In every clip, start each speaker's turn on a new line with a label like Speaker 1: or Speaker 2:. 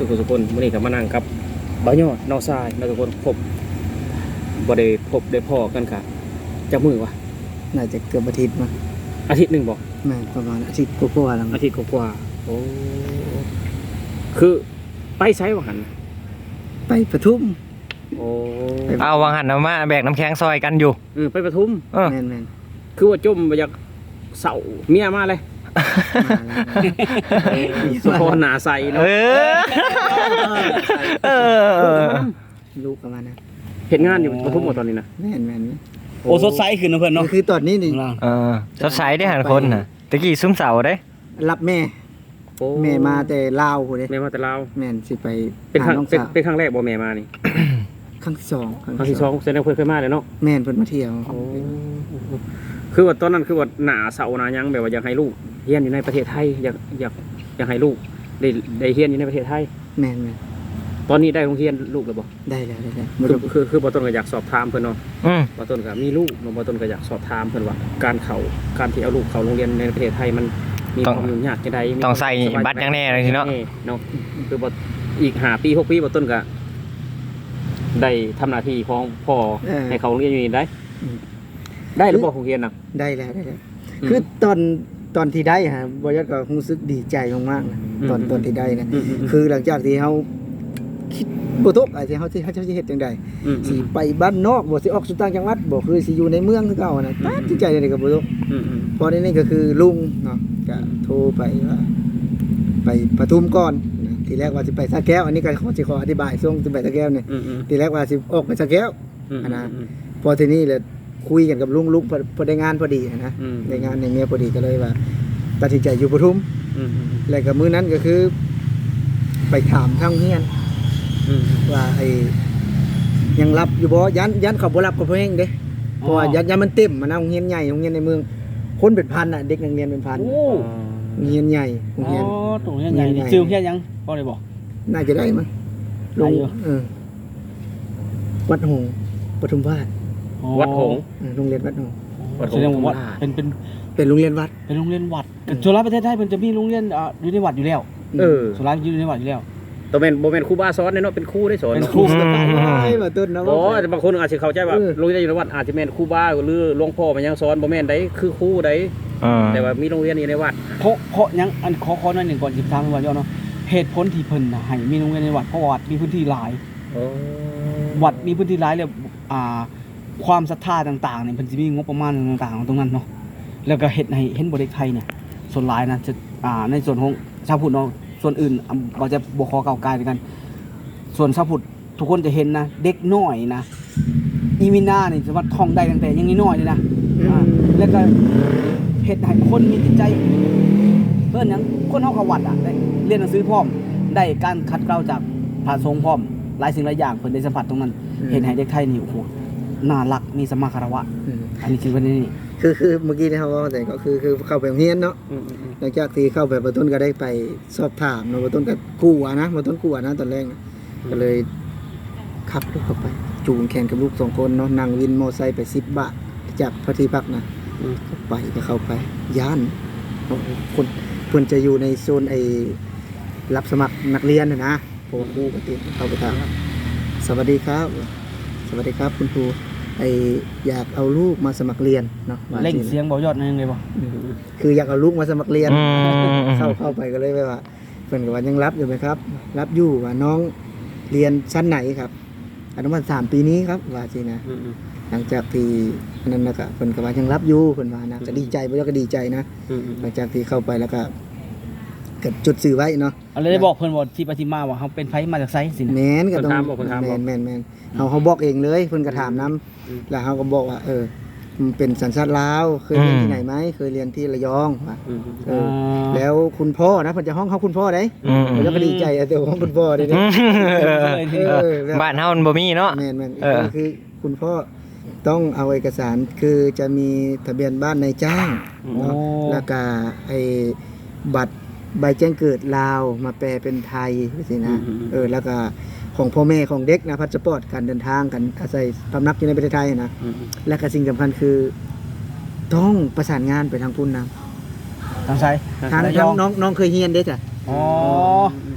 Speaker 1: ทุกคนมื้อนี้ก็มานั่งกับบ่าวยอดน้องทรายแล้วทุกคนบ่ได้พ้อกันค่ะจักมื้อวะ
Speaker 2: น่าจะเกือบอาทิตย์มั้ง
Speaker 1: อาทิตย์นึงบ่
Speaker 2: แม่นประมาณอาทิตย์กว่าๆแล้ว
Speaker 1: อาทิตย์กว่าโอ้คือไปไสว่าหั่น
Speaker 2: ไปปทุม
Speaker 1: โอ้
Speaker 3: เอาวางหันมาแบกน้ำแข็งซอยกันอยู่
Speaker 1: ไปปทุม
Speaker 2: แม่น
Speaker 1: คือว่าจมบ่อยากเศร้าเมียมาเลยสุพรหนาใสเนาะ
Speaker 2: ลูกประมาณนั้น
Speaker 1: เห็นงานอยู่ปทุมหมดตอนนี้นะ
Speaker 2: แม่น
Speaker 4: โอ้สดใสขึ้นนะเพื่อนเนาะ
Speaker 2: คือตอนนี้นี่
Speaker 3: สดใสได้หันคนน่ะตะกี้ซุ้มเสาได้
Speaker 2: รับแม่มาแต่ลาวพุ่นเด้
Speaker 1: แม่มาแต่ลาว
Speaker 2: แม่นสิไป
Speaker 1: เป็นครั้งแรกบ่แม่มานี่
Speaker 2: ครั้งที่2ครั้ง
Speaker 1: ที่2แสดงเพิ่นเคยมาแล้วเนาะ
Speaker 2: แม่นเพิ่นมาเที่ยว
Speaker 1: คือว่าตอนนั้นคือว่าหน้าเสาหน้ายังแบบว่าอยากให้ลูกเรียนอยู่ในประเทศไทยอยากให้ลูกได้เรียนอยู่ในประเทศไทย
Speaker 2: แม่น
Speaker 1: ตอนนี้ได้โรงเรียนลูกแล้วบ่
Speaker 2: ได้แล้ว
Speaker 1: คือบ่ต้นก็อยากสอบถามเพิ่นเนาะบ่ต้นก็มีลูกบ่ต้นก็อยากสอบถามเพิ่นว่าการที่เอาลูกเข้าโรงเรียนในประเทศไทยมันมีความยุ่งยากจังได๋
Speaker 3: ต้องใส่บัตรยังแน่เลยทีเนาะ
Speaker 1: คือบ่อีก5ปี6ปีบ่ต้นก็ได้ทำหน้าที่ของพ่อให้เขาโรงเรียนอยู่นี่ได้หรือบ่โรงเรียนน่ะ
Speaker 2: ได้แล้วคือตอนที่ได้ฮะบ่ยอดก็รู้สึกดีใจมากๆนะตอนที่ได้นะคือหลังจากที่เฮาคิดบ่ตกอาจจะเฮาสิเฮ็ดจังได๋สิไปบ้านนอกบ่สิออกสู่ต่างจังหวัดบ่คือสิอยู่ในเมืองคือเก่านะตัดสินใจได้ก็บ่ตกพอนี้ก็คือลุงเนาะก็โทรไปว่าไปปทุมก่อนทีแรกว่าสิไปสระแก้วอันนี้ก็ขออธิบายช่วงสิไปสระแก้วนี่ทีแรกว่าสิออกไปสระแก้วนะพอทีนี้เลยคุยกันกับลุงพอได้งานพอดีนะได้งานในเมียพอดีก็เลยว่าตัดสินใจอยู่ปทุมแล้วก็มื้อนั้นก็คือไปถามทางเฮียนว่าไอ้ยังรับอยู่บ่ยันเขาบ่รับกับพ่อเองเด้เพราะว่ายันมันเต็มมันโรงเรียนใหญ่โรงเรียนในเมืองคนเป็นพันน่ะเด็กนักเรียนเป็นพันโรงเรียนใหญ่โรงเรียน
Speaker 4: ตรงใหญ่ชื่อเฮียนยังบ่ได้บอก
Speaker 2: น่าจะได้มั้งลงวัดหงส์ปทุมวาด
Speaker 1: วัดหงส์
Speaker 2: โรงเรียนวัดหงส์
Speaker 4: แสดงว่า
Speaker 2: เป็นโรงเรียนวัด
Speaker 4: เป็นโรงเรียนวัดส่วนประเทศไทยมันจะมีโรงเรียนอยู่ในวัดอยู่แล้วส่วนอยู่ในวัดอยู่แล้ว
Speaker 1: ตัวแม่นบ่แม่นครูบาสอนเนาะเป็นครูได้สอน
Speaker 4: เป็นครูสอน
Speaker 2: ว่าต้นนะ
Speaker 1: อ๋อบางคนอาจสิเข้าใจว่าโรงเรียนอยู่ในวัดอาจสิแม่นครูบาหรือหลวงพ่อมันยังสอนบ่แม่นได้คือครูได้แต่ว่ามีโรงเรียนอยู่ในวัด
Speaker 4: เพราะยังอันขอหน่อยนึงก่อนสิถามว่าเนาะเหตุผลที่เพิ่นน่ะให้มีโรงเรียนในวัดเพราะวัดมีพื้นที่หลายวัดมีพื้นที่หลายแล้วความศรัทธาต่างๆเนี่ยเพิ่นสิมีงบประมาณต่างๆตรงนั้นเนาะแล้วก็เฮ็ดให้เห็นบ่เด็กไทยเนี่ยส่วนหลายนะจะในส่วนของชาวพุทธเนาะส่วนอื่นเราจะบ่ขอก้าวไกลกันส่วนชาวพุทธทุกคนจะเห็นนะเด็กน้อยนะอีมิน่านี่สามารถท่องได้ตั้งแต่ยังน้อยเลยนะแล้วก็เฮ็ดให้คนมีจิตใจเพิ่นหยังคนเฮาเข้าวัดได้เรียนหนังสือพร้อมได้การขัดเกลาจากพระสงฆ์พร้อมหลายสิ่งหลายอย่างเพิ่นได้สัมผัสตรงนั้นเห็นให้เด็กไทยนี่โอ้โหน่ารักมีสัมมาคารวะอันนี้คือวันนี้
Speaker 2: คือเมื่อกี้ที่เขาว่าแต่ก็คือเข้าไปโรงเรียนเนาะหลังจากที่เข้าไปต้นก็ได้ไปสอบถามเนาะต้นก็กลัวนะต้นกลัวนะตอนแรกก็เลยขับรถเข้าไปจูงแขนกับลูก2คนเนาะนั่งวินมอไซค์ไป10 บาทจากพระที่พักนะเข้าไปย่านคนเพิ่นจะอยู่ในโซนไอ้รับสมัครนักเรียนนะพวกครูก็ติดเข้าไปถามสวัสดีครับคุณครูอยากเอาลูกมาสมัครเรียนเนาะ
Speaker 4: เล่งเสียงบ่ยอดนั่นเลยบ่
Speaker 2: คืออยากเอาลูกมาสมัครเรียนเข้าไปก็เลยว่าเพิ่นก็ว่ายังรับอยู่ไหมครับรับอยู่ว่าน้องเรียนชั้นไหนครับอนุบาล3ปีนี้ครับว่าสินะหลังจากที่นั้นนะก็เพิ่นก็ว่ายังรับอยู่เพิ่นว่านะก็ดีใจบ่ยอดก็ดีใจนะหลังจากที่เข้าไปแล้วก็เกิดจุดสื่อไว้เนาะ
Speaker 4: อะไรได้บอกเพิ่นว่าที่ไปที่มาว่าเฮาเป็นไผมาจากไสสิ
Speaker 2: แม่นก็ต้องแม่นเฮาบอกเองเลยเพิ่นก็ถามนำแล้วเฮาก็บอกว่ามันเป็นสัญชาติลาวเคยเรียนที่ไหนมั้ยเคยเรียนที่ระยองว่าแล้วคุณพ่อนะเพิ่นจะห้องเฮาคุณพ่อได้เพิ่นก็ดีใจแต่ห้องคุณพ่อได้
Speaker 3: บ้านเฮามันบ่มีเนาะ
Speaker 2: แม่นคือคุณพ่อต้องเอาเอกสารคือจะมีทะเบียนบ้านนายจ้างเนาะแล้วก็บัตรใบแจ้งเกิดลาวมาแปลเป็นไทยสินะแล้วก็ของพ่อแม่ของเด็กนะพาสปอร์ตการเดินทางกันอาศัยพำนักอยู่ในประเทศไทยนะและก็สิ่งสำคัญคือต้องประสานงานไปทางพุ่นนะ
Speaker 4: ทางไส
Speaker 2: ทางน้องเคยเรียนเด้จ้ะ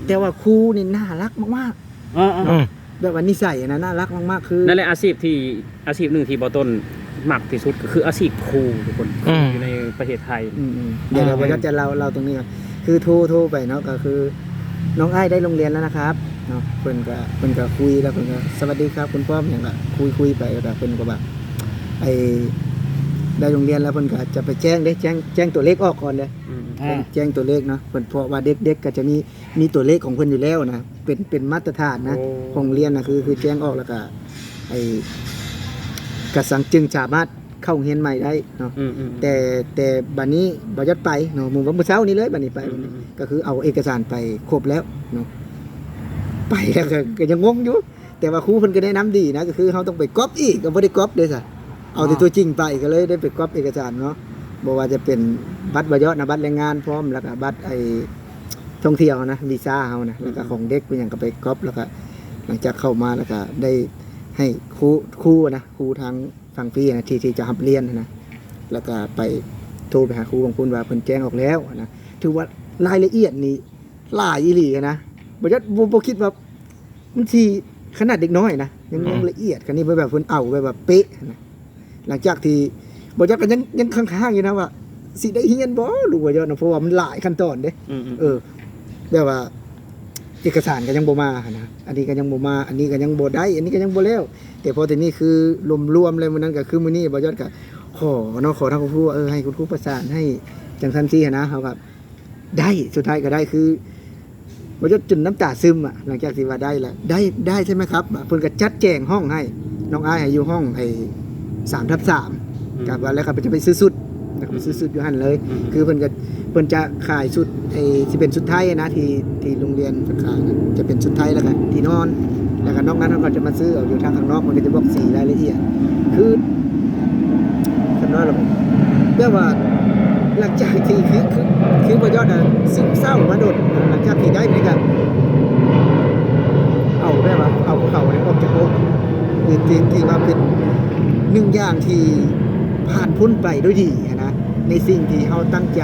Speaker 2: แต่ว่าครูนี่น่ารักมาก
Speaker 4: อ่า
Speaker 3: อืม
Speaker 2: ๆแบบว่านิสัยนะน่ารักมากๆคือ
Speaker 1: นั่นแหละอาชีพหนึ่งที่บ่ต้นมักที่สุดก็คืออาชีพครูทุกคนอยู่ในประเทศไทย
Speaker 2: เดี๋ยวเราจะเราตรงนี้ก่อนคือโทรไปเนาะก็คือน้องอ้ายได้โรงเรียนแล้วนะครับเนาะเพิ่นก็คุยแล้วเพิ่นก็สวัสดีครับคุณพ่ออย่างก็คุยไปแล้วก็เพิ่นก็แบบไอ้ได้โรงเรียนแล้วเพิ่นก็จะไปแจ้งตัวเลขออกก่อนเลย แจ้งตัวเลขเนาะเพิ่นเพราะว่าเด็กก็จะมีตัวเลขของเพิ่นอยู่แล้วนะเป็นมาตรฐานนะของเรียนนะคือแจ้งออกแล้วก็ไอ้กระสังจึงสามารถเข้าเรียนใหม่ได้เนาะแต่บัดนี้บ่ยัดไปเนาะมื้อเช้านี้เลยบัดนี้ไปก็คือเอาเอกสารไปครบแล้วเนาะไปแล้วก็ยังงงอยู่แต่ว่าครูเพิ่นก็แนะนำดีนะก็คือเฮาต้องไปก๊อปอีกก็บ่ได้ก๊อปเด้อซะเอาแต่ตัวจริงไปก็เลยได้ไปก๊อปเอกสารเนาะบ่ว่าจะเป็นบัตรบ่ยอดนะบัตรแรงงานพร้อมแล้วก็บัตรไอ้ท่องเที่ยวนะวีซ่าเฮานะแล้วก็ของเด็กเป็นหยังก็ไปก๊อปแล้วก็หลังจากเข้ามาแล้วก็ได้ให้ครูนะครูทางฝั่งพี่นะที่จะรับเรียนนะแล้วก็ไปโทรไปหาครูบางคนว่าเพิ่นแจ้งออกแล้วนะถือว่ารายละเอียดนี่หลายอีหลีนะบ่ยอดบ่คิดว่ามันสิขนาดเด็กน้อยนะยังละเอียดกันนี่แบบเพิ่นเอาแบบเป๊ะนะหลังจากที่บ่ยอดก็ยังข้างๆอยู่นะว่าสิได้เรียนบ่รู้บ่ยอดนะเพราะว่ามันหลายขั้นตอนเด้แบบว่าเอกสารก็ยังบ่มานะอันนี้ก็ยังบ่มาอันนี้ก็ยังบ่ได้อันนี้ก็ยังบ่แล้วแต่พอแต่นี่คือรวมๆเลยมื้อนั้นก็คือมื้อนี้บ่ยอดก็ขอเนาะขอทางครูว่าให้คุณครูประสานให้จังซั่นซี่นะเฮาก็ได้สุดท้ายก็ได้คือบ่ยอดจนน้ำตาซึมอ่ะหลังจากที่ว่าได้แล้วได้ใช่ไหมครับเพิ่นก็จัดแจงห้องให้น้องอ้ายให้อยู่ห้องไอ้3/3กับว่าแล้วก็จะไปซื้อสุดแล้วก็ไปซื้อสุดอยู่หั่นเลย คือเพิ่นจะขายชุดไอ้ที่เป็นชุดไทยนะที่โรงเรียนเพิ่นขายนะจะเป็นชุดไทยแล้วก็ที่นอนแล้วก็นอกนั้นเขาก็จะมาซื้อเอาอยู่ทางข้างนอกมันก็จะบอกสีรายละเอียดคือคันน้อยแล้วแปลว่าหลังจากที่คือบ่ยอดน่ะซึมเศร้ามาโดดหลังจากที่ได้นี่ก็เอาแปลว่าเอาภูเขาออกจากอกคือที่ว่าเป็นหนึ่งอย่างที่ผ่านพ้นไปด้วยดีนะในสิ่งที่เฮาตั้งใจ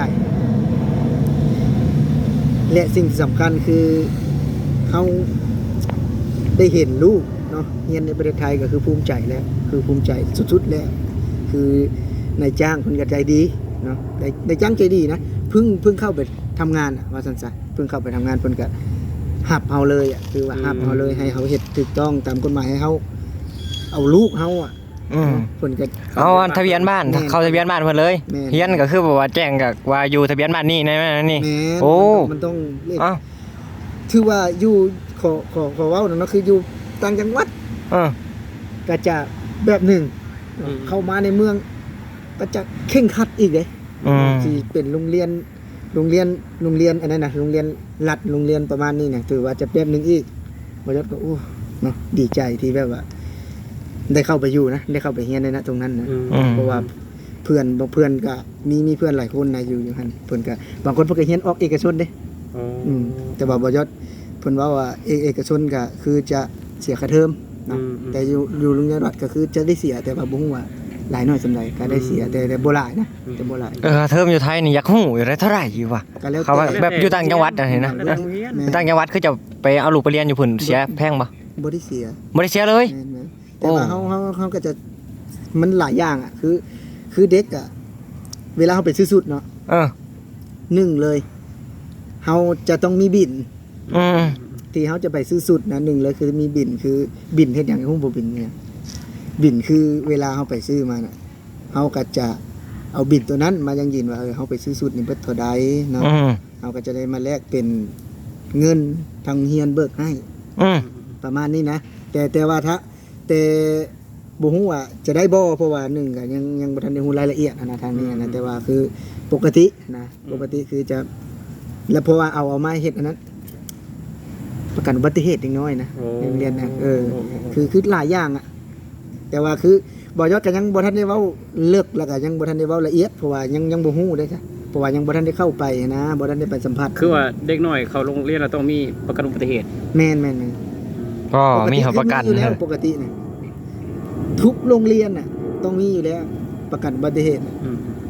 Speaker 2: และสิ่งที่สำคัญคือเขาได้เห็นลูกเนาะเรียนในประเทศไทยก็คือภูมิใจแล้วคือภูมิใจสุดๆแล้วคือนายจ้างเพิ่นก็ใจดีเนาะนายจ้างใจดีนะเพิ่งเข้าไปทำงานว่าซั่นซะเพิ่งเข้าไปทำงานเพิ่นก็หับเฮาเลยอ่ะคือว่าหับเฮาเลยให้เฮาเฮ็ดถูกต้องตามกฎหมายให้เฮาเอาลูกเฮาอ่ะเพิ่นก็
Speaker 3: เอาทะเบียนบ้านเข้าทะเบียนบ้านเพิ่นเลยเฮียนก็คือแบบว่าแจ้งก็ว่าอยู่ทะเบียนบ้านนี่นะนี่โอ้
Speaker 2: มันต้องถือว่าอยู่ขอเว้าเนาะคืออยู่ต่างจังหวัดก็จะแบบหนึ่งเข้ามาในเมืองก็จะเคร่งครัดอีกเด้ที่เป็นโรงเรียนอันนั้นน่ะโรงเรียนรัฐโรงเรียนประมาณนี้เนี่ยถือว่าจะแบบนึงอีกบ่ยอดก็โอ้เนาะดีใจที่แบบว่าได้เข้าไปอยู่นะได้เข้าไปเรียนในตรงนั้นนะเพราะว่าเพื่อนก็มีเพื่อนหลายคนนะอยู่หั่นเพิ่นก็บางคนเพิ่นก็เรียนออกเอกชนเด้แต่ว่าบ่ยอดเพิ่นว่าเอกชนก็คือจะเสียค่าเทอมนะแต่อยู่โรงเรียนรัฐก็คือจะได้เสียแต่ว่าบ่ฮู้ว่าหลายน้อยส่าใดก็ได้เสียแต่บ่หลายนะแต่บ่หลาย
Speaker 3: เทอมอยู่ไทยนี่อยากฮู้อยู่ได้เท่าไหร่อยู่วะเขาแบบอยู่ต่างจังหวัดน่ะเห็นนะต่างจังหวัดคือจะไปเอาลูกไปเรียนอยู่พุ่นเสียแพงบ่
Speaker 2: บ่ได้เสีย
Speaker 3: เลย
Speaker 2: แต่ว่าเขาก็จะมันหลายอย่างอ่ะคือเด็กอ่ะเวลาเขาไปซื้อสุดเนาะหนึ่งเลยเขาจะต้องมีบินที่เขาจะไปซื้อสุดนะหนึ่งเลยคือมีบินคือบินเฮ็ดอย่างหุ้มบ่บินเนี่ยบินคือเวลาเขาไปซื้อมาน่ะเขาก็จะเอาบินตัวนั้นมายังยินว่าเขาไปซื้อสุดนี่เบิดเท่าใดเนาะเขาก็จะได้มาแลกเป็นเงินทางเฮียนเบิกให้ประมาณนี้นะแต่ว่าแต่บ่ฮู้ว่าจะได้บ่เพราะว่า1ก็ยังบ่ทันได้ฮู้รายละเอียดนะทางนี้นะแต่ว่าคือปกตินะปกติคือจะแล้วเพราะว่าเอามาเฮ็ดอันนั้นประกันอุบัติเหตุเล็กน้อยนะเรียนนะคือหลายอย่างอ่ะแต่ว่าคือบ่ยอดก็ยังบ่ทันได้เว้าเลิกแล้วก็ยังบ่ทันได้เว้าละเอียดเพราะว่ายังบ่ฮู้เด้จ้ะเพราะว่ายังบ่ทันได้เข้าไปนะบ่ทันได้ไปสัมผัส
Speaker 1: คือว่าเด็กน้อยเข้าโรงเรียนแล้วต้องมีประกันอุบัติเหตุ
Speaker 2: แม่น
Speaker 3: ก็มีประกัน
Speaker 2: อยู่แล้วปกตินะทุกโรงเรียนน่ะต้องมีอยู่แล้วประกันอุบัติเหตุ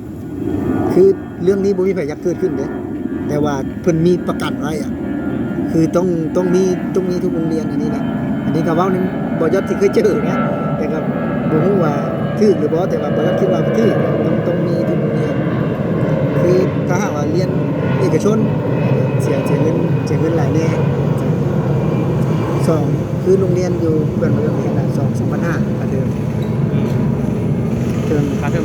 Speaker 2: คือเรื่องนี้บ่มีไผอยากเกิดขึ้นเด้แต่ว่าเพิ่นมีประกันไว้อ่ะคคือต้องมีทุกโรงเรียนอันนี้นะอันนี้ก็เว้านั้นบ่ยอดที่เคยเจอนะแต่ก็บ่ฮู้ว่าถูกหรือบ่แต่ว่าบ่ยอดคิดว่าถูกต้องมีทุกโรงเรียนคือถ้าหากว่าเรียนเอกชนเสียเงินหลายแน่สองคือโรงเรียนอยู่เพื่อนบ่ยอดเรียนละ2,500ค่าเทอม
Speaker 1: ค่าเทอม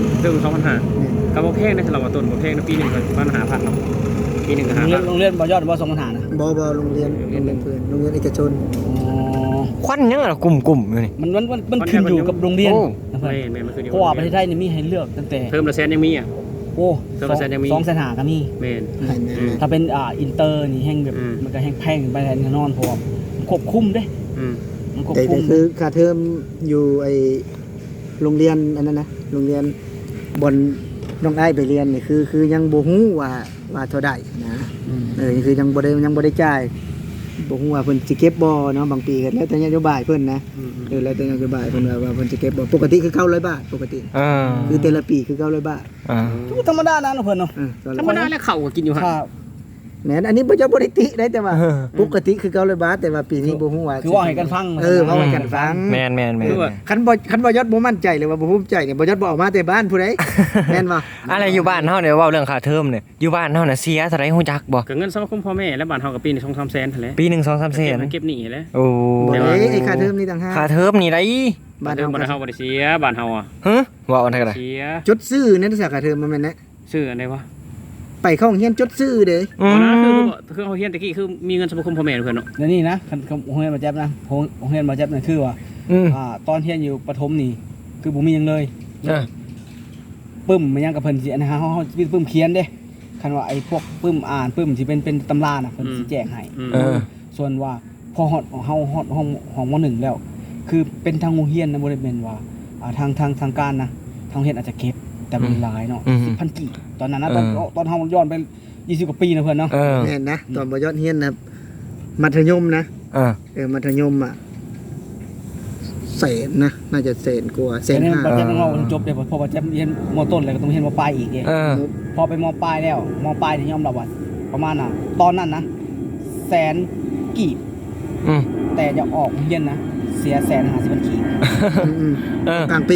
Speaker 1: 2,500ก็บ่แพงนะสำหรับว่าต้นบ่แพงนะปีนึงก็ประมาณ5,000เนาะปีนึงก็5,000
Speaker 4: โรงเรียนบ่ยอดบ่2ปัญหานะ
Speaker 2: บ่โรงเรียนเพื่อนโรงเรียนเอกชน
Speaker 3: ควันยังล่ะกลุ่มๆอยู่นี่
Speaker 4: มันขึ้นอยู่กับโรงเรียน
Speaker 3: โอ้
Speaker 4: นะเพื่อน
Speaker 1: แม่นมันคืออยู่
Speaker 4: เพราะว่าประเทศไทยนี่มีให้เลือกตั้งแต่
Speaker 1: เทอมละแสนยังมีอ่ะ
Speaker 4: โอ้
Speaker 1: เทอมละแสนยังมี
Speaker 4: 2,500,000ก็มี
Speaker 1: แม่น
Speaker 4: ถ้าเป็นอินเตอร์นี่แห้งแบบ มันก็แห้งแพงไปแน่นอนเพราะว่ามันควบคุมเด้ มันควบ
Speaker 2: แต่
Speaker 4: คุม
Speaker 2: คือค่าเทอมอยู่ไอโรงเรียนอันนั้นนะโรงเรียนบนน้องไอ้ไปเรียนนี่คือยังบ่ฮู้ว่าเท่าใดนะคือยังบ่ได้จ่ายบ่ฮู้ว่าเพิ่นสิเก็บบ่เนาะบางปีก็แล้วแต่นโยบายเพิ่นนะแล้วแต่นโยบายเพิ่นว่าเพิ่นสิเก็บบ่ปกติคือ900 บาทปกติคือแต่ละปีคือ900 บาท
Speaker 4: ทุกธรรมดานะเพิ่นเนาะ
Speaker 1: ธรรมดาแล้วเข้าก็กินอยู่หั่น
Speaker 4: ถ้า
Speaker 2: แม่นอันนี้บ่จะบ่ได้ติได้แต่ว่าปกติคือ900 บาทแต่ว่าปีนี้บ่ฮู้ว่า
Speaker 4: คือว่าให้กันฟัง
Speaker 2: ว่าให้กันฟัง
Speaker 3: แม่น
Speaker 2: คันบ่ยอดบ่มั่นใจเลยว่าบ่ภูมิใจเนี่ยบ่ยอดบ่ออกมาแต่บ้านผู้ใด แม่นบ่
Speaker 3: อะไรอยู่บ้านเฮาเนี่ยเว้าเรื่องค่าเทอมเนี่ยอยู่บ้านเฮาน่ะเสียเท่าไหร่ฮู้จักบ่
Speaker 1: ก็เงินสมาคมพ่อแม่และบ้านเฮาก็ปีนึง 2-3 แสนนั่นแหละ
Speaker 3: ปีหนึง 2-3 แสน
Speaker 1: เก็บหนี้แหละ
Speaker 3: โอ้
Speaker 2: บ่ได้ไอ้ค่าเทอมนี่ต่างหาก
Speaker 3: ค่าเทอมนี่ได้
Speaker 2: บ้าน
Speaker 1: เฮา
Speaker 2: เฮา
Speaker 1: บ่ได้เฮาบ่ได้เสียบ้านเฮาอ่ะ
Speaker 3: ฮะว่าอันเท่าไหร่
Speaker 1: เสีย
Speaker 2: จดซื้อนั่นสาขาเทอมมันแม่นนะ
Speaker 1: ชื่ออันใดวะ
Speaker 2: ไปเข้าโรงเรียนจดซื้อเด้
Speaker 1: อ๋อนะคือเฮาเฮียนตะกี้คือมีเงินสมาคมพ่อแม่เพิ่นเนาะ
Speaker 4: แล้วนี่นะคันโรงเรียนบ่แจ๊บนะโรงเรียนบ่แจ๊บนั่นคือว่าตอนเรียนอยู่ประถมนี่คือบ่มีหยังเลย ปึ้มมันยังกับเพิ่นสิอันนะฮะเฮาปึ้มเขียนเด้คันว่าไอ้พวกปึ้มอ่านปึ้มสิเป็นตำราน่ะเพิ่นสิแจกให้ส่วนว่าพอฮอดเฮาฮอดห้องม.1 แล้ว คือเป็นทางโรงเรียนนะบ่ได้แม่นว่าทางการนะทางโรงเรียนอาจจะเก็บแต่บ่หลายเนาะ 10,000 กีบตอนนั้นนะตอนเฮาย้อนไป20กว่าปีนะเพิ่นเนาะ
Speaker 2: แม่นนะตอนบ่ยอดเรียนนะมัธยมนะมัธยมอ่ะแสนนะน่าจะแสนกว่าแสน
Speaker 4: แต่
Speaker 2: ห้า
Speaker 4: บ่แจ๊บต้องเอาจบเด้เพราะว่าแจ๊บเรียนม.ต้นแล้วก็ต้องเรียนม.ปลายอีกพอไปม.ปลายแล้วม.ปลายนี่ยอมรับว่าประมาณน่ะตอนนั้นนะแสนกีบแต่จะออกเรียนนะเสีย150,000 กีบ
Speaker 2: กลางปี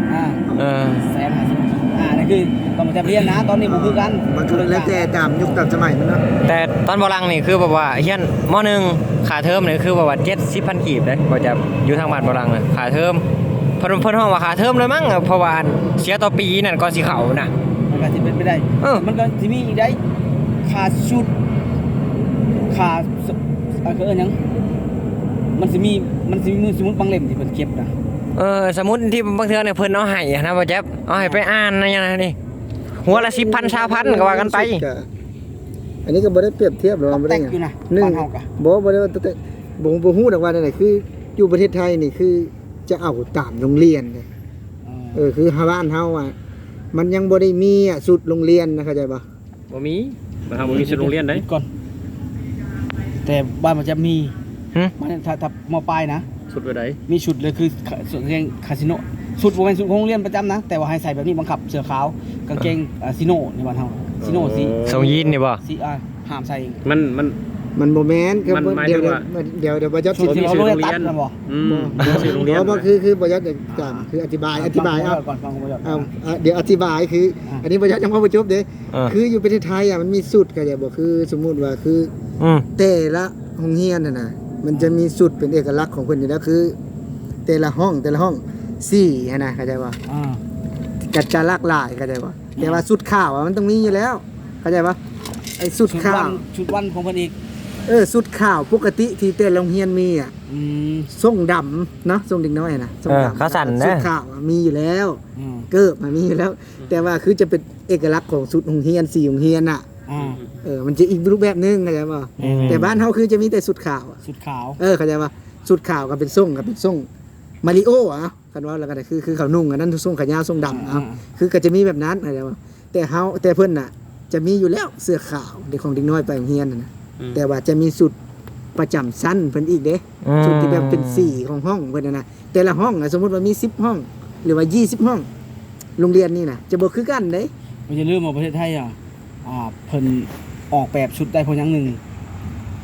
Speaker 4: 150,000 กีบนั่นคือตอนมาจะเรียนนะตอนนี้บ่คือกัน
Speaker 2: มันคือแล้วแต่ตามยุคตามสมัยมันเนาะ
Speaker 3: แต่ตอนบ่ลังนี่คือแบบว่าเฮียนม.1 ค่าเทอมนี่คือแบบว่า 70,000 กีบเด้บ่จะอยู่ทางบ้านบ่ลังน่ะค่าเทอมเพิ่นฮ้องว่าค่าเทอมเลยมั้งเพราะว่าเสียต่อปีนั่นก่อนสิเข้าน่ะ
Speaker 4: มันก็สิเป็นไปได้มันก็สิมีอีกได้ค่าชุดค่าก็หยังมันสิมีสมมุติบางเล่มที่เพิ่นเก็บนะ
Speaker 3: สมมุติที่บางเทื่อเนี่ยเพิ่นเอาให้นะบ่แจ๊บเอาให้ไปอ่านนะอย่างนั้นนี่หัวละ 10,000 20,000ก็ว่ากันไป
Speaker 2: อันนี้ก็บ่ได้เปรียบเทียบหรอกบ่ได้หยัง1บ่ได้ว่าแต่บ่ฮู้ดอกว่านั่นคืออยู่ประเทศไทยนี่คือจะเอาตามโรงเรียนคือบ้านเฮาอ่ะมันยังบ่ได้มีสุดโรงเรียนนะเข้าใจบ่
Speaker 1: บ่มีบ้านเฮาบ่มีชุดโรงเรียนได้
Speaker 4: ก่อนแต่บ้านมันจะมีมันถ้าม.ปลายนะ
Speaker 1: ชุดไว้ได
Speaker 4: มีชุดเลยคือเรียนคาสิโนชุดบ่แม่นชุดของโรงเรียนประจำนะแต่ว่าให้ใส่แบบนี้บังคับเสื้อขาวกางเกงซิโนในบ้านเฮาซิโนสี
Speaker 3: ทรงยีนนี่บ่
Speaker 4: สีห้ามใส่
Speaker 1: มัน
Speaker 2: บ่แม่นคือเดี๋ยวบ่จะ
Speaker 4: ชุดที่เราโรงเรียนตัดนะบ่
Speaker 1: บ่
Speaker 2: คือบ่จะจำคืออธิบายเอา
Speaker 4: ก่อนฟังบ่ยอด
Speaker 2: เดี๋ยวอธิบายคืออันนี้บ่จะยังบ่จบเด้คืออยู่ประเทศไทยมันมีสุดก็จะบ่คือสมมุติว่าคือแต่ละโรงเรียนน่ะมันจะมีสุดเป็นเอกลักษณ์ของเพิ่นอยู่แล้วคือแต่ละห้องสีนะเข้าใจบ่จัดจะหลากหลายเข้าใจบ่แต่ว่าสุดข้าวมันต้องมีอยู่แล้วเข้าใจบ่ไอ้สุดข้าว
Speaker 4: ชุดวันของเพิ่นอีก
Speaker 2: สุดข้าวปกติที่แต่โรงเรียนมีทรงดำเนาะทรงเด็กน้อยนะทรงดำ
Speaker 3: เขาสั่นนะ
Speaker 2: สุดข้าวมีอยู่แล้วเกิบมันมีอยู่แล้ว แต่ว่าคือจะเป็นเอกลักษณ์ของสุดโรงเรียน4โรงเรียนน่ะมันจะอีกรูปแบบนึงเข้าใจบ่แต่บ้านเฮาคือจะมีแต่สุดขาว
Speaker 4: สุดขาว
Speaker 2: เข้าใจป่ะสุดขาวก็เป็นทรงมาริโอคันว่าแล้วก็คือเขานุ่งอันนั้นทรงขายาวทรงดำคือก็จะมีแบบนั้นเข้าใจป่ะแต่เพิ่นน่ะจะมีอยู่แล้วเสื้อขาวเด็กของเด็กน้อยไปโรงเรียนน่ะแต่ว่าจะมีสุดประจำชั้นเพิ่นอีกเด้สุดที่แบบเป็นสีของห้องเพิ่นน่ะแต่ละห้องสมมุติว่ามี10ห้องหรือว่า20ห้องโรงเรียนนี่น่ะจะบ่คือกันเด้
Speaker 4: บ่อย่าลืมว่าประเทศไทยเพิ่นออกแบบชุดได้เพราะหยังนึง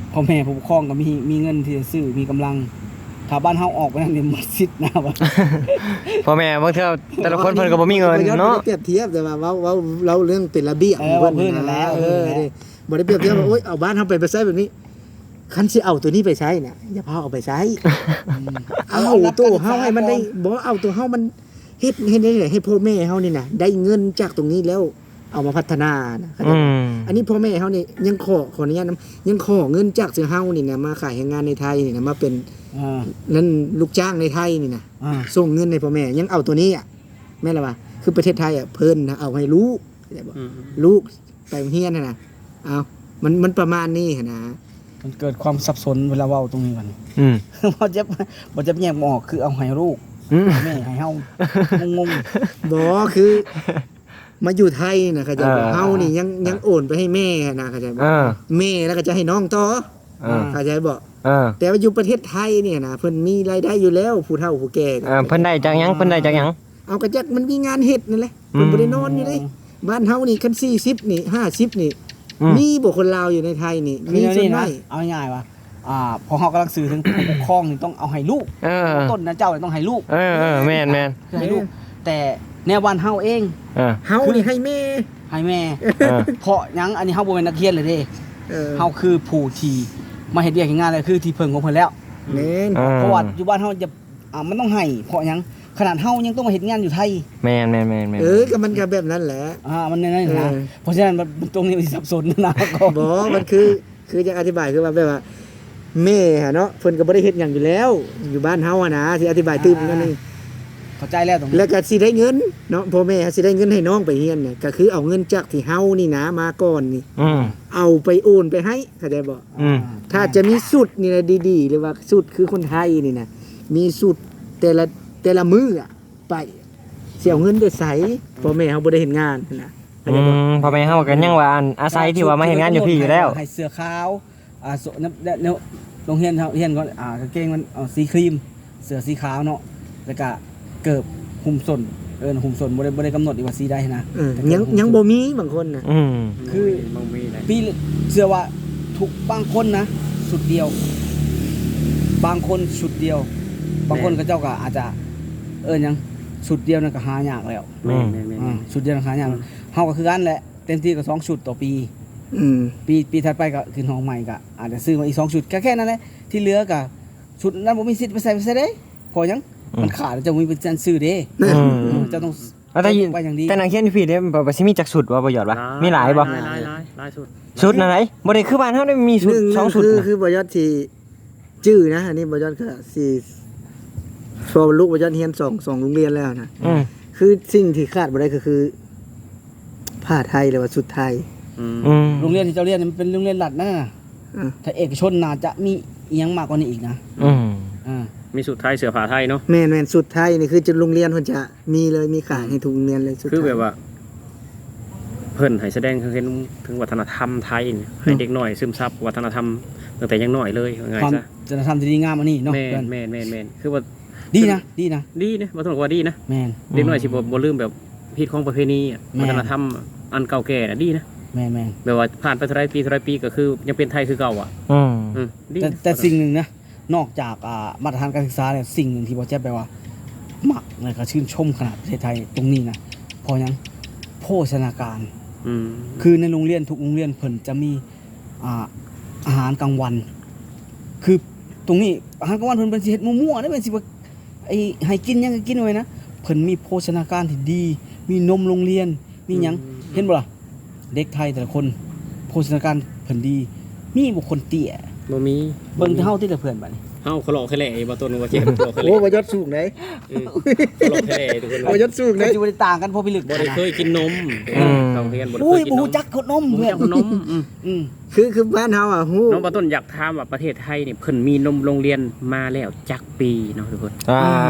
Speaker 4: พ่อแม่ผู้ปกครองก็มีเงินที่จะซื้อมีกำลังถ้าบ้านเฮาออกไปนั่นนี่หมดสิทธิ์นะว่า
Speaker 3: พ่อแม่บางเทื่อแต่ละคนเพิ่นก็บ่มีเงินเนาะ
Speaker 2: บ่ได้เปรียบเทียบแต่ว่าเราเรื่องเป็นระเบียบ
Speaker 4: ว่าเพิ่นนั่นแหละ
Speaker 2: บ่ได้เปรียบเทียบว่าโอ๊ยเอาบ้านเฮาไปใช้แบบนี้คันสิเอาตัวนี้ไปใช้น่ะอย่าพาเอาไปใช้เอาตัวเฮาให้มันได้บ่เอาตัวเฮามันเฮ็ดได้ให้พ่อแม่เฮานี่น่ะได้เงินจากตรงนี้แล้วเอามาพัฒนานะเข้าใจบ่อันนี้พ่อแม่เฮานี่ยังขออนุญาตนำยังขอเงินจากเฮานี่นะมาขายแรงงานในไทยนี่นะมาเป็นนั่นลูกจ้างในไทยนี่นะส่งเงินให้พ่อแม่ยังเอาตัวนี้อ่ะแม่นล่ะว่าคือประเทศไทยอ่ะเพิ่นนะเอาให้ลูกลูกไปโรงเรียนน่ะนะเอามันประมาณนี้นะ
Speaker 4: มันเกิดความสับสนเวลาเว้าตรงนี้กัน บ่จะแยกบ่ออกคือเอาให้ลูกแม่ให้เฮางง
Speaker 2: บ่คือมาอยู่ไทยนะเข้าใจบ่เฮานี่ยังโอนไปให้แม่นะเข้าใจบ่แม่แล้วก็จะให้น้องต่อเข้าใจบ่แต่ว่าอยู่ประเทศไทยเนี่ยนะเพิ่นมีรายได้อยู่แล้วผู้เฒ่าผู้แก่
Speaker 3: เพิ่นได้จากหยัง
Speaker 2: เอากระจักมันมีงานเฮ็ดนั่นแหละเพิ่นบ่ได้นอนอยู่เด้บ้านเฮานี่คัน40นี่50นี่มีบ่คนลาวอยู่ในไทยนี่
Speaker 4: ๆ
Speaker 2: มีส่วน
Speaker 4: นะ
Speaker 2: น้อย
Speaker 4: เอาง่ายๆว่าพอเฮากำลังสื่อถึงผู้ปกครองนี่ต้องเอาให้ลูกต้นนะเจ้าต้องให้ลูก
Speaker 3: แม่น
Speaker 4: ให้ลูกแต่แนวบ้านเฮาเอง
Speaker 2: เฮานี่ให้แม่
Speaker 4: ให้แม่เพราะหยังอันนี้เฮาบ่เป็นนักเรียนเลยเด้เฮาคือผู้ที่มาเฮ็ดเวียกเฮ็ดงานเลยคือที่เพิ่งของเพิ่นแล้ว
Speaker 2: แม่น
Speaker 4: เพราะว่าอยู่บ้านเฮาจะมันต้องให้เพราะหยังขนาดเฮายังต้องมาเฮ็ดงานอยู่ไทย
Speaker 3: แม่น
Speaker 2: ก็มันก็แบบนั้นแหละ
Speaker 4: มันนั่นนะเพราะฉะนั้นมันตรงนี้มันสับสนนะก็
Speaker 2: บ่มันคือจะอธิบายคือว่าแบบว่าแม่เนาะเพิ่นก็บ่ได้เฮ็ดหยังอยู่แล้ว อยู่บ้านเฮาอะนะสิอธิบายตื้มนั่นนี่
Speaker 4: เข้าใจแล้วตรงนี้
Speaker 2: แล้วก็สิได้เงินเนาะพ่อแม่สิได้เงินให้น้องไปเรียนเนี่ยก็คือเอาเงินจากที่เฮานี่นะมาก่อนนี่เอาไปโอนไปให้เข้าใจบ่ถ้าจะมีสุดนี่นะดีๆหรือว่าสุดคือคนไทยนี่นะมีสุดแต่ละมื้ออะไปสิเอาเงินไปใส่พ่อแม่เฮาบ่ได้เฮ็ดงานนะเข้าใจบ่
Speaker 3: พ่อแม่เฮาก็ยังว่าอาศัยที่ว่ามาเฮ็ดงานอยู่พี่อยู่แล้ว
Speaker 4: ให้เสื้อขาวโรงเรียนก่อนกางเกงมันสีครีมเสื้อสีขาวเนาะแล้วก็เกิบหุ้มส้นหุ้มส้นบ่ได้กำหนดอีกว่าสีใดนะ
Speaker 2: ยังบ่มีบางคนน่ะ
Speaker 4: คือปีเชื่อว่าทุกบางคนนะสุดเดียวบางคนสุดเดียวบางคนก็เจ้าก็อาจจะยังสุดเดียวนั่นก็หายากแล้วสุดเดียวหายากเฮาก็คือกันแหละเต็มที่ก็2ชุดต่อปีปีถัดไปก็ขึ้นห้องใหม่ก็อาจจะซื้อมาอีก2ชุดแค่นั้นแหละที่เหลือก็ชุดนั้นบ่มีสิทธิ์ไปใส่ได้พอยังมันขาดจะมีเป็นซื้อเด้จะต้องไปอย่างดี
Speaker 3: แต่นักเรียนพี่เด้บ่สิมีจักสุดว่าบ่หยอดวะมีหลายบ่
Speaker 1: หลายสุด
Speaker 3: สุดไหนบ่ได้คือบ้านเฮาได้มีสุด2สุด
Speaker 2: คือบ่ยอดสิจื้อนะอันนี้บ่ยอดก็สิพอลูกบ่ยอดเรียน2โรงเรียนแล้วนะคือสิ่งที่ขาดบ่ได้ก็คือผ้าไทยหรือว่าชุดไทย
Speaker 4: โรงเรียนที่เจ้าเรียนมันเป็นโรงเรียนรัฐนะถ้าเอกชนน่าจะมีอีหยังมากกว่านี้อีกนะ
Speaker 1: มีสุดไทยเสื้อผ้าไทยเนาะ
Speaker 2: แม่นๆสุดไทยนี่คือจะโรงเรียนเพิ่นจะมีเลยมีขายให้ทุกโรงเรียนเลยสุด
Speaker 1: คือแบบว่าเพิ่นให้แสดงถึงวัฒนธรรมไทยให้เด็กน้อยซึมซับวัฒนธรรมตั้งแต่ยังน้อยเลยว่าไงซะ
Speaker 4: วัฒนธรรมที่ดีงามอันนี้เนาะ
Speaker 1: แม่นคือว่า
Speaker 4: ดีนะ
Speaker 1: บ่ต้องว่าดีนะ
Speaker 4: แม่น
Speaker 1: เด็กน้อยสิบ่ลืมแบบพิธีของประเพณีวัฒนธรรมอันเก่าแก่น่ะดีนะ
Speaker 4: แม่น
Speaker 1: แบบว่าผ่านไปเท่าไรปีก็คือยังเป็นไทยคือเก่าอ่ะ
Speaker 4: แต่สิ่งนึงนะนอกจากมาตรฐานการศึกษาเนี่ยสิ่งนึงที่บ่แจ๊บแปลว่ามักเลยก็ชื่นชมขนาดประเทศไทยตรงนี้นะพอยังโภชนาการคือในโรงเรียนทุกโรงเรียนเพิ่นจะมีอาหารกลางวันคือตรงนี้อาหารกลางวันเพิ่นเป็นสิเฮ็ดมั่วๆได้เป็นสิว่าไอ้ให้กินยังก็กินไว้นะเพิ่นมีโภชนาการที่ดีมีนมโรงเรียนมีหยังเห็นบ่ล่ะเด็กไทยแต่ละคนโภชนาการเพิ่นดีมีบุคคลเตี้ย
Speaker 1: บ่มี
Speaker 4: เบิ่งเฮาที่แต่เพื่อนบัดนี้
Speaker 1: เฮาเขาหลอกแค่แหล่บ่ต้นว่าเจ็บหลอกแค่แหล่
Speaker 2: โอ้บ่ยอดสูงไหน
Speaker 1: หลอกแค่แหล่ทุกคน
Speaker 2: บ่ยอดสูงไหน
Speaker 4: สิบ่ได้ต่างกันพอพิลึก
Speaker 1: บ่ได้เคยกินนมเขาเรียนบ่ได้
Speaker 4: เคยกินนมบ่ฮู้จักขนมเพื่อน
Speaker 1: นม
Speaker 2: คือบ้านเฮาอ่ะฮู้
Speaker 1: น้องบ่ต้นอยากถามว่าประเทศไทยนี่เพิ่นมีนมโรงเรียนมาแล้วจักปีเนาะทุกคน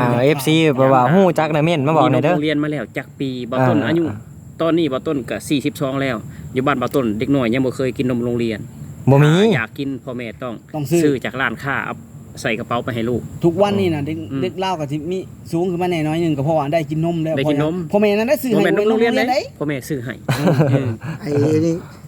Speaker 3: FC บ่ว่าฮู้จักนะเม่นมาบอกหน่อยเด้อ
Speaker 1: โรงเรียนมาแล้วจักปีบ่ต้นอายุตอนนี้บ่ต้นก็42แล้วอยู่บ้านบ่ต้นเด็กน้อยยังบ่เคยกินนมโรงเรียน
Speaker 3: บ่มี
Speaker 1: อยากกินพ่อแม่ต้องซื้อจากร้านค้าเอาใส่กระเป๋าไปให้ลูก
Speaker 4: ทุกวันนี้นะเด็กเล่าก็สิมีสูงขึ้นมาแน่น้อยนึงก็เพราะว่าได้กินนมแล้ว
Speaker 1: ได้กินนม
Speaker 4: พ่อแม่นั้นได้ซื้อให้
Speaker 1: โรงเรียนได้พ่อแม่ซื้อให้
Speaker 2: ไอ้นี่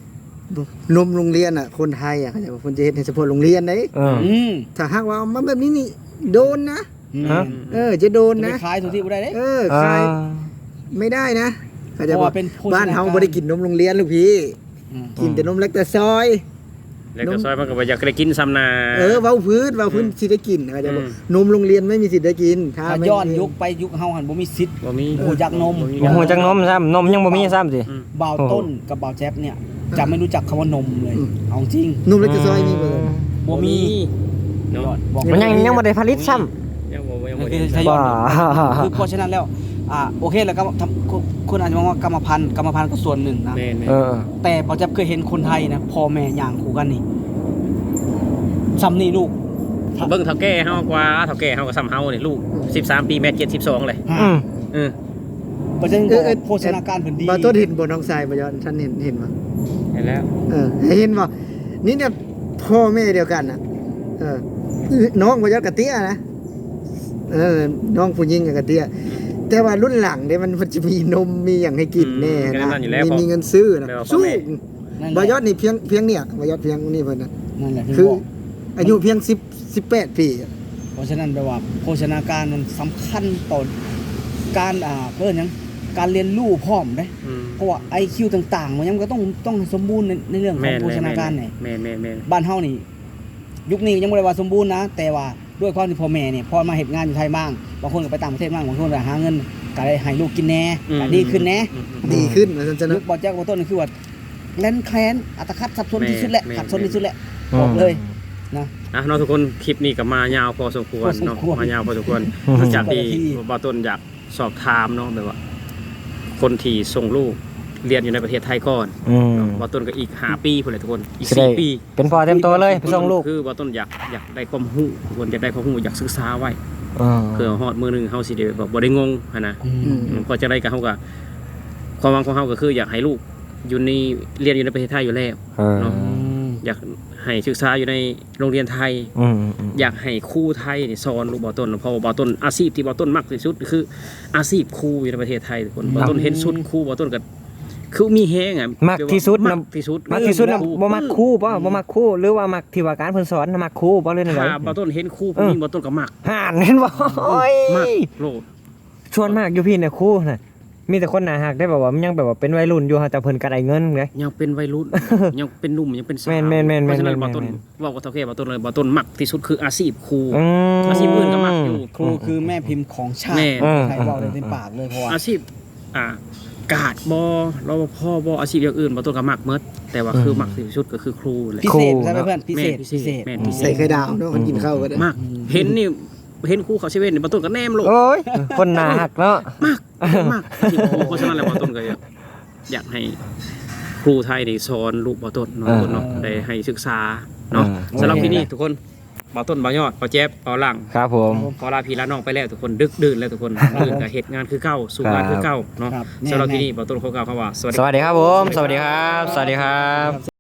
Speaker 2: นมโรงเรียนอ่ะคนไทยอ่ะเขาจะว่าคนจะเฮ็ดให้เฉพาะโรงเรียนเด้ ถ้าหากว่าเอามาแบบนี้นี่โดนนะ
Speaker 3: ฮะ
Speaker 2: จะโดน
Speaker 4: จะไป
Speaker 2: นะ
Speaker 4: ขายทุกที่บ่ได้เด้
Speaker 2: ขายไม่ได้นะเขาจะ
Speaker 4: เพราะ
Speaker 2: บอก
Speaker 4: ว่าเป็นโภชนาการ
Speaker 2: บ้านเฮาบ่ได้กินนมโรงเรียนลูกพี่ กินแต่นมเล็กแต่ซอย
Speaker 1: แล้วก็ซอยมันก็บ่อยากได้กินซ้ำนา
Speaker 2: เว้าพื้นสิได้กินเขาจะบอกนมโรงเรียนไม่มีสิทธิ์ได้กินถ้า
Speaker 4: ถ้า
Speaker 2: ไม่
Speaker 4: ย้อนยุคไปยุคเฮาหันบ่มีสิทธิ์
Speaker 1: บ่มี
Speaker 4: โอ้จักนม
Speaker 3: โอ้โหจักนมซ้ำนมยังบ่มีซ้ำสิ
Speaker 4: บ่าวต้นกับบ่าวแจ๊บเนี่ยจะไม่รู้จักคำว่านมเลยเอาจริง
Speaker 2: นมเล็กแต่ซอยมีเบิด
Speaker 4: บ่มี
Speaker 1: เนาะ
Speaker 4: บอก
Speaker 3: มันยังบ่ได้ผลิตซ้ำ
Speaker 1: ยังบ่
Speaker 4: คือ
Speaker 1: ได้
Speaker 4: ทยอย
Speaker 3: บ้า
Speaker 4: คือเพราะฉะนั้นแล้วโอเคแล้วก็คุณอาจจะมองว่ากรรมพันธุ์ก็ส่วนหนึ่งนะ
Speaker 1: แม่น
Speaker 3: เออ
Speaker 4: แต่พอจะเคยเห็นคนไทยนะพ่อแม่ย่างคู่กันนี่ซ้ำนี่ลูก
Speaker 1: ๆเบิ่งเฒ่าแก่เฮากว่าเฒ่าแก่เฮาก็ซ้ำเฮานี่ลูก13ปีแม่72เลย
Speaker 3: อืม
Speaker 1: เออ
Speaker 4: เพราะฉะนั้นบอกโภชนาการเพิ่นดี
Speaker 2: บ่ต้นเห็นบ่น้องทรายบ่ย้อนท่านเห็นบ่
Speaker 1: เห็นแล้ว
Speaker 2: เห็นบ่นี่เนี่ยพ่อแม่เดียวกันน่ะน้องบ่ย้อนกะเตี้ยนะน้องผู้หญิงกับกะเตี้ยแต่ว่ารุ่นหลังเนี่ยมันจะมีนมมีอย่างให้กินแน่นะมีเงินซื้อนะสู้บ่ยอดนี่เพียงเนี่ยบ่ยอดเพียงนี่เพิ่นน่ะ
Speaker 4: นั่นแหละ
Speaker 2: คือ
Speaker 4: บอก
Speaker 2: อายุเพียง18 ปี
Speaker 4: เพราะฉะนั้นแปลว่าโภชนาการมันสำคัญต่อการเพิ่นหยังการเรียนรู้พร้อมเด้ เพราะว่า IQ ต่างๆมันยังก็ต้องสมบูรณ์ในเรื่องของโภชนาการนี่
Speaker 1: แม่น
Speaker 4: บ้านเฮานี่ยุคนี้ยังบ่ได้ว่าสมบูรณ์นะ แต่ว่าด้วยความที่พ่อแม่เนี่ยพอมาเฮ็ดงานอยู่ไทยบ้างบางคนก็ไปต่างประเทศบ้างบางคนก็หาเงินก็ได้ให้ลูกกินแหน่ก็ดีขึ้นแหน่
Speaker 2: ดีขึ้นว่าซั่น
Speaker 4: ยุ
Speaker 2: นะ
Speaker 4: คบ่แจ๊กบ่ต้นนี่คือว่าแล่นแคลนอัตคัดสับสนที่สุดแหละขัดสนที่สุดแหละบอกเลยนะ
Speaker 1: เนาะทุกคนคลิปนี้ก็มายาวพอสมควรเนาะมายาวพอสมควรหลังจากที่บ่ต้นอยากสอบถามเนาะแบบว่า คนที่ส่งลูกเรียนอยู่ในประเทศไทยก่อน บ่ต้นก็อีก5ปีพุ่นแหละทุกคนอีก4ปี
Speaker 3: เป็นพ่อเต็มตัวเลยไปส่งลูก
Speaker 1: คือบ่ต้นอยากได้ความรู้ทุกคนอยากได้ความรู้อยากศึกษาไว้เพื่อฮอดมื้อหนึงเฮาสิได้แบบบ่ได้งงหันนะพอจะได้ก็เฮาก็ความหวังของเฮาก็คืออยากให้ลูกอยู่ในเรียนอยู่ในประเทศไทยอยู่แล้วเนาะอยากให้ศึกษาอยู่ในโรงเรียนไทยอยากให้ครูไทยนี่สอนลูกบ่ต้นเพราะว่าบ่ต้นอาชีพที่บ่ต้นมักที่สุดคืออาชีพครูอยู่ในประเทศไทยทุกคนบ่ต้นเห็นสุดครูบ่ต้นก็คือมีแฮงอ่ะ
Speaker 3: มักที่สุด
Speaker 1: มักที่สุด
Speaker 3: มักที่สุดน่ะบ่มักครูบ่มักครูหรือว่ามักที่ว่าการเพิ่นสอนน่ะมักครูบ่เลยนั่นแหละ
Speaker 1: ถ้าบ่ต้นเห็นครูผู้หญิงบ่ต้นก็มัก
Speaker 3: ห่านเห็นบ่โอ้ย
Speaker 1: มักโลด
Speaker 3: ชวนมากอยู่พี่น่ะครูน่ะมีแต่คนหน้าฮักได้แบบว่ามันยังแบบว่าเป็นวัยรุ่นอยู่ฮะแต่เพิ่นก็ได้เงินไง
Speaker 1: ยังเป็นวัยรุ่น ยังเป็นหนุ่มยังเป็นสาว
Speaker 3: แม่นๆๆๆ
Speaker 1: เพราะฉะนั้นบ่ต้นเว้ากับเฒ่าแก่บ่ต้นเลยบ่ต้นมักที่สุดคืออาชีพครู
Speaker 3: อืม
Speaker 1: อาชีพอื่นก็มักอยู่
Speaker 4: ครูคือแม่พิมพ์ของชา
Speaker 1: แม่
Speaker 4: ติใครบอกได้เต็มปากเลยเพราะว่า
Speaker 1: อาชีพกาดบ่รปภบ่อาชีพอย่างอื่นบ่ต้นก็มักหมดแต่ว่าคือมักที่สุดก็คือครูแหละ
Speaker 4: พิเศษใช่ไหมเพื่อนพิเศษ
Speaker 1: แม่นพิเศ
Speaker 2: ใส่
Speaker 1: ษ
Speaker 2: ไข่ดาวเนาะมันกินข้าวก็ได้
Speaker 1: มักเห็นนี่เห็นครูเขาเซเว่นนี่บ่ต้นก็แนมโลด
Speaker 3: โอ้ยคนหน้าฮักเนาะ
Speaker 1: มากที่ครูเพราะฉะนั้นแล้วบ่ต้นก็อยากให้ครูไทยได้สอนลูกบ่ต้นเนาะเนาะได้ให้ศึกษาเนาะสำหรับที่นี่ทุกคนบ่ต้นบ่ยอดบ่แจ๊บบ่หลัง
Speaker 3: ครับผม
Speaker 1: พอลาพี่ลาน้องไปแล้วทุกคนดึกดื่นแล้วทุกคนดื่นกับเหตุงานคือเก่าสู่งานคือเก่าเนาะ
Speaker 4: ครับ
Speaker 1: สำหรับที่นี่บ่ต้นเขากล่าวคำว่า
Speaker 3: สวัสดีครับผม สวัสดีครับ สวัสดีครับ